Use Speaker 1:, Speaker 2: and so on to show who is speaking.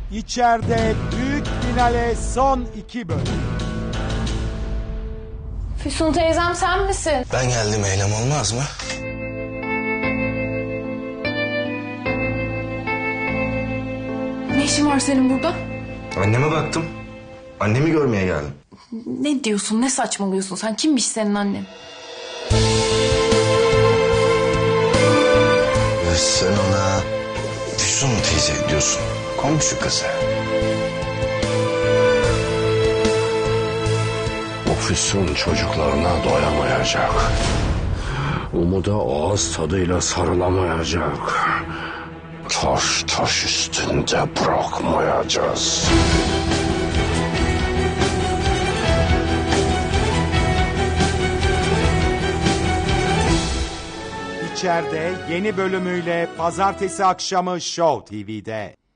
Speaker 1: İçeride büyük finale son 2 bölüm.
Speaker 2: Füsun teyzem sen misin?
Speaker 3: Ben geldim, eylem olmaz mı?
Speaker 2: Ne işin var senin burada?
Speaker 3: Anneme baktım. Annemi görmeye geldim.
Speaker 2: Ne diyorsun, ne saçmalıyorsun sen? Kimmiş senin annen?
Speaker 3: Sen ona Füsun teyze diyorsun. Komşu kızı.
Speaker 4: O Füsun çocuklarına doyamayacak. Umuda ağız tadıyla sarılamayacak. Taş taş üstünde bırakmayacağız.
Speaker 1: İçeride yeni bölümüyle pazartesi akşamı Show TV'de.